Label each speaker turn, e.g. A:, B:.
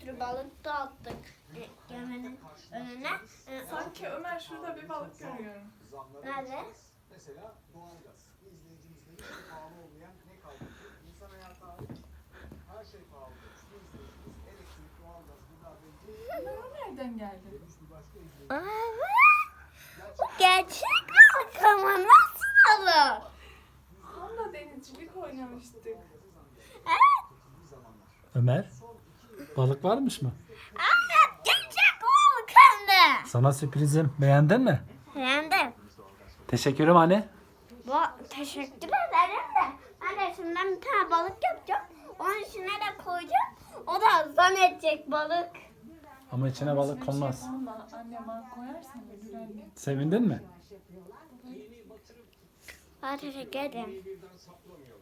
A: sürü balık da attık geminin önüne.
B: Sanki Ömer şurada bir balık görüyorum.
A: Nerede?
C: Mesela doğalgaz. Bir izleyicimizde hiç pahalı olmayan ne kaldı ki? İnsan hayatı hariç her şey pahalı. Bir izleyicimiz elektrik, doğalgaz, gıda, benzin.
B: Ömer o nereden geldi?
C: Demiş bir başka izleyicimiz.
A: Gerçek balık ama nasıl olur?
B: Onunla denizcilik oynamıştık.
D: Ömer, balık varmış mı?
A: Evet, gerçek balık hem de.
D: Sana sürprizim. Beğendin mi?
A: Hem de.
D: Teşekkürüm anne.
A: Teşekkür ederim de. Ben de şimdiden bir tane balık yapacağım. Onun içine de koyacağım. O da zannedecek balık.
D: Ama içine balık konmaz.
B: Ama anne bana koyarsan ölür anne.
D: Sevindin mi?
A: Teşekkür ederim.